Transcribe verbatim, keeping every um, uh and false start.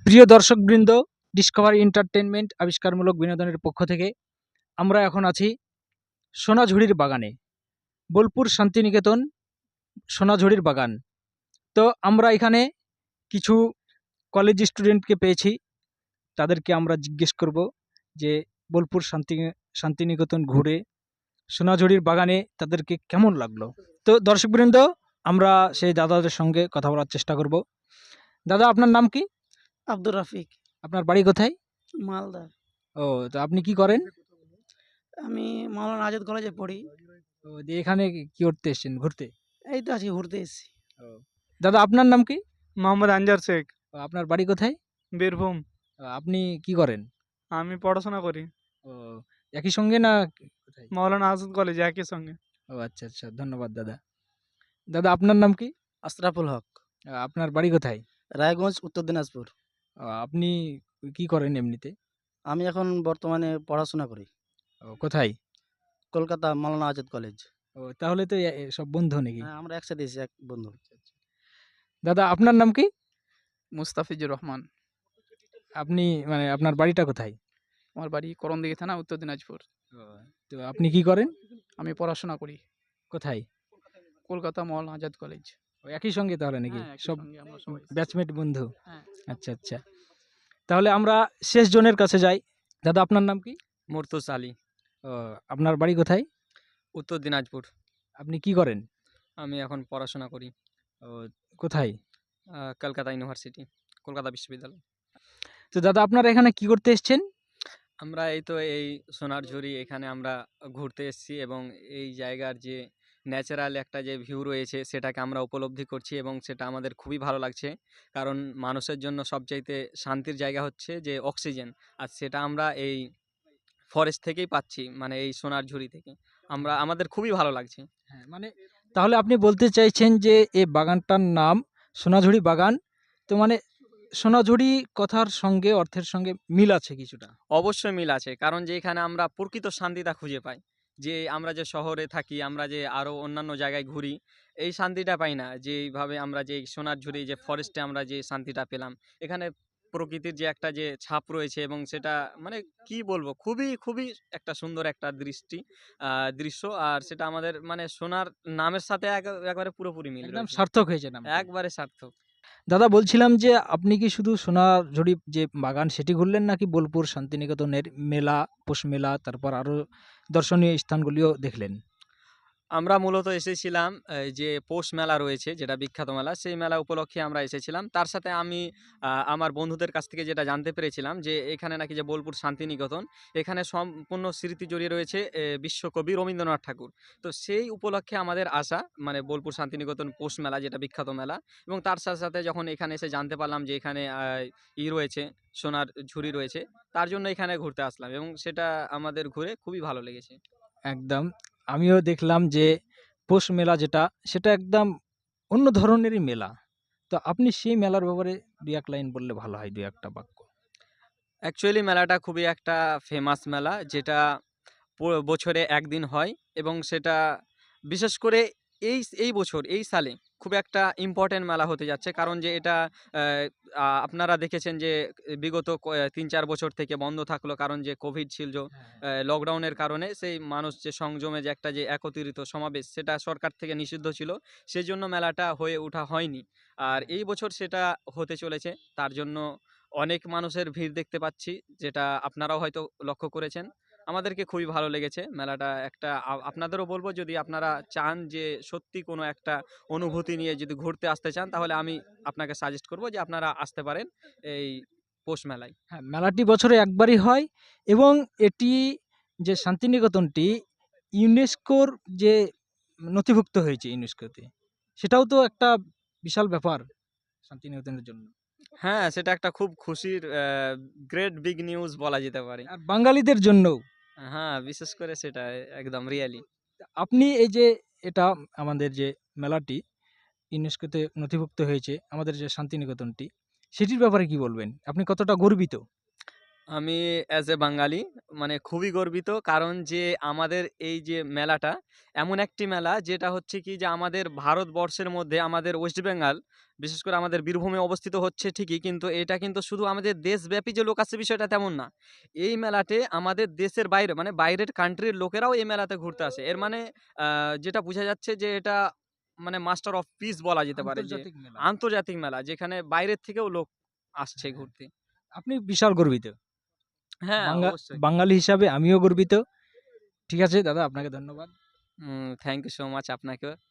প্রিয় দর্শকবৃন্দ, Discovery entertainment আবিষ্কারমূলক বিনোদনের পক্ষ থেকে আমরা এখন আছি সোনাঝুরির বাগানে, বোলপুর শান্তিনিকেতন সোনাঝুরির বাগান। তো আমরা এখানে কিছু কলেজ স্টুডেন্টকে পেয়েছি, তাদেরকে আমরা জিজ্ঞেস করব যে বোলপুর শান্তি শান্তিনিকেতন ঘুরে সোনাঝুরির বাগানে তাদেরকে কেমন লাগলো। তো দর্শকবৃন্দ, আমরা সেই দাদাদের সঙ্গে কথা বলার চেষ্টা করব। দাদা, আপনার নাম কি? আব্দুর রাফিক, আপনার বাড়ি কোথায়? মালদা। ও, তো আপনি কি করেন? আমি মাওলানা আজাদ কলেজে পড়ি। ও, দিয়ে এখানে কি করতে এসেছেন? ঘুরতে? এই তো আছি, ঘুরতে এসেছি। ও, দাদা আপনার নাম কি? মোহাম্মদ আনজার শেখ, ও, আপনার বাড়ি কোথায়? বীরভূম। ও, আপনি কি করেন? আমি পড়াশোনা করি ও, একই সঙ্গে না কোথায়? মাওলানা আজাদ কলেজে একই সঙ্গে। ও আচ্ছা আচ্ছা, ধন্যবাদ দাদা। দাদা আপনার নাম কি? আশরাফুল হক, ও, আপনার বাড়ি কোথায়? রায়গঞ্জ, উত্তর দিনাজপুর। ও, আপনি কি করেন এমনিতে? আমি এখন বর্তমানে পড়াশোনা করি ও, কোথায়? কলকাতা মাওলানা আজাদ কলেজ। ও, তাহলে তো এ- এ সব বন্ধু নাকি? হ্যাঁ, আমরা একসাথে এসেছি, এক বন্ধু। দাদা আপনার নাম কি? মুস্তাফিজুর রহমান। আপনি মানে আপনার বাড়িটা কোথায়? আমার বাড়ি করণদিঘি থানা, উত্তর দিনাজপুর। ও, তো আপনি কি করেন? আমি পড়াশোনা করি কোথায়? কলকাতা মাওলানা আজাদ কলেজ। ও, একই সঙ্গে তাহলে নাকি? হ্যাঁ, একই সব সঙ্গে আমরা সবাই। ব্যাচমেট বন্ধু? হ্যাঁ। আচ্ছা আচ্ছা, তাহলে আমরা শেষ জনের কাছে যাই। দাদা আপনার নাম কি? মুর্তুজ আলী, ও, আপনার বাড়ি কোথায়? উত্তর দিনাজপুর। আপনি কি করেন? আমি এখন পড়াশোনা করি ও, কোথায়? আহ, কলকাতা ইউনিভার্সিটি, কলকাতা বিশ্ববিদ্যালয়। তো দাদা আপনারা এখানে কি করতে এসেছেন? আমরা এই তো এই সোনারঝুরি এখানে আমরা ঘুরতে এসেছি এবং এই জায়গার যে ন্যাচারাল একটা যে ভিউ রয়েছে সেটাকে আমরা উপলব্ধি করছি এবং সেটা আমাদের খুবই ভালো লাগছে। কারণ মানুষের জন্য সবচাইতে শান্তির জায়গা হচ্ছে যে অক্সিজেন, আর সেটা আমরা এই ফরেস্ট থেকেই পাচ্ছি, মানে এই সোনারঝুরি থেকে। আমরা আমাদের খুবই ভালো লাগছে। হ্যাঁ, মানে তাহলে আপনি বলতে চাইছেন যে এই বাগানটার নাম সোনাঝুরি বাগান। তো মানে সোনাঝুরি কথার সঙ্গে অর্থের সঙ্গে মিল আছে কিছুটা? অবশ্যই মিল আছে, কারণ যে এখানে আমরা প্রকৃত শান্তিটা খুঁজে পাই। যে আমরা যে শহরে থাকি, আমরা যে আরও অন্যান্য জায়গায় ঘুরি, এই শান্তিটা পাই না। যে এইভাবে আমরা যে সোনারঝুরি যে ফরেস্টে আমরা যে শান্তিটা পেলাম, এখানে প্রকৃতির যে একটা যে ছাপ রয়েছে এবং সেটা মানে কি বলবো, খুবই খুবই একটা সুন্দর একটা দৃষ্টি আহ, দৃশ্য। আর সেটা আমাদের মানে সোনার নামের সাথে এক- একবারে পুরোপুরি মিল একদম রয়েছে। সার্থক হয়েছে নাম। একবারে সার্থক। দাদা বলছিলাম যে আপনি কি শুধু সোনাঝুরি যে বাগান সেটি ঘুরলেন, নাকি বোলপুর শান্তিনিকেতনের মেলা, পৌষ মেলা, তারপর আরো দর্শনীয় স্থানগুলিও দেখলেন? আমরা মূলত এসেছিলাম এই যে পৌষ মেলা রয়েছে, যেটা বিখ্যাত মেলা, সেই মেলা উপলক্ষে আমরা এসেছিলাম। তার সাথে আমি আহ, আমার বন্ধুদের কাছ থেকে যেটা জানতে পেরেছিলাম যে এখানে নাকি যে বোলপুর শান্তিনিকেতন, এখানে সম্পূর্ণ স্মৃতি জড়িয়ে রয়েছে এ, বিশ্বকবি রবীন্দ্রনাথ ঠাকুর। তো সেই উপলক্ষে আমাদের আসা, মানে বোলপুর শান্তিনিকেতন পৌষ মেলা যেটা বিখ্যাত মেলা। এবং তার সাথে সাথে যখন এখানে এসে জানতে পারলাম যে এখানে আহ, ই রয়েছে, সোনার ঝুড়ি রয়েছে, তার জন্য এখানে ঘুরতে আসলাম এবং সেটা আমাদের ঘুরে খুবই ভালো লেগেছে। একদম, আমিও দেখলাম যে পৌষ মেলা যেটা, সেটা একদম অন্য ধরনেরই মেলা। তো আপনি সেই মেলার ব্যাপারে দুই এক লাইন বললে ভালো হয়, দুই একটা বাক্য। অ্যাকচুয়ালি মেলাটা খুবই একটা ফেমাস মেলা, যেটা প- বছরে একদিন হয় এবং সেটা বিশেষ করে এই এই বছর এই সালে খুব একটা ইম্পর্টেন্ট মেলা হতে যাচ্ছে। কারণ যে এটা আহ, আ- আপনারা দেখেছেন যে বিগত ক- তিন চার বছর থেকে বন্ধ থাকলো, কারণ যে কোভিড ছিল, লকডাউনের কারণে সেই মানুষ যে সংযমে যে একটা যে একত্রিত সমাবেশ, সেটা সরকার থেকে নিষিদ্ধ ছিল, সেই জন্য মেলাটা হয়ে ওঠা হয়নি। আর এই বছর সেটা হতে চলেছে, তার জন্য অনেক মানুষের ভিড় দেখতে পাচ্ছি, যেটা আপনারাও হয়তো লক্ষ্য করেছেন। আমাদেরকে খুবই ভালো লেগেছে মেলাটা। একটা আ- আপনাদেরও বলবো, যদি আপনারা চান যে সত্যি কোনো একটা অনুভূতি নিয়ে যদি ঘুরতে আসতে চান, তাহলে আমি আপনাকে সাজেস্ট করব যে আপনারা আসতে পারেন এই পৌষ মেলায়। হ্যাঁ, মেলাটি বছরে একবারই হয় এবং এটি যে শান্তিনিকেতনটি ইউনেস্কোর যে নথিভুক্ত হয়েছে ইউনেস্কোতে, সেটাও তো একটা বিশাল ব্যাপার শান্তিনিকেতনের জন্য। হ্যাঁ, সেটা একটা খুব খুশির গ্রেট বিগ নিউজ বলা যেতে পারে। আর বাঙালিদের জন্যও। হ্যাঁ, বিশেষ করে সেটা একদম রিয়েলি। আপনি এই যে এটা আমাদের যে মেলাটি ইউনেস্কোতে নথিভুক্ত হয়েছে, আমাদের যে শান্তিনিকেতনটি, সেটির ব্যাপারে কি বলবেন? আপনি কতটা গর্বিত? আমি অ্যাজ এ বাঙালি মানে খুবই গর্বিত, কারণ যে আমাদের এই যে মেলাটা এমন একটি মেলা যেটা হচ্ছে কি যে আমাদের ভারতবর্ষের মধ্যে আমাদের ওয়েস্ট বেঙ্গল, বিশেষ করে আমাদের বীরভূমে অবস্থিত হচ্ছে ঠিকই, কিন্তু এটা কিন্তু শুধু আমাদের দেশব্যাপী যে লোক আসছে বিষয়টা তেমন না। এই মেলাতে আমাদের দেশের বাইরে মানে বাইরের কান্ট্রির লোকেরাও এই মেলাতে ঘুরতে আসে। এর মানে আহ, যেটা বোঝা যাচ্ছে যে এটা মানে মাস্টার অফ পিস বলা যেতে পারে, যে আন্তর্জাতিক মেলা। আন্তর্জাতিক মেলা যেখানে বাইরের থেকেও লোক আসছে হ্যাঁ। ঘুরতে। আপনি বিশাল গর্বিত। হ্যাঁ, বাঙ্গা অবশ্যই। বাঙালি হিসাবে আমিও গর্বিত। ঠিক আছে দাদা, আপনাকে ধন্যবাদ। থ্যাংক ইউ সো মাচ আপনাকেও।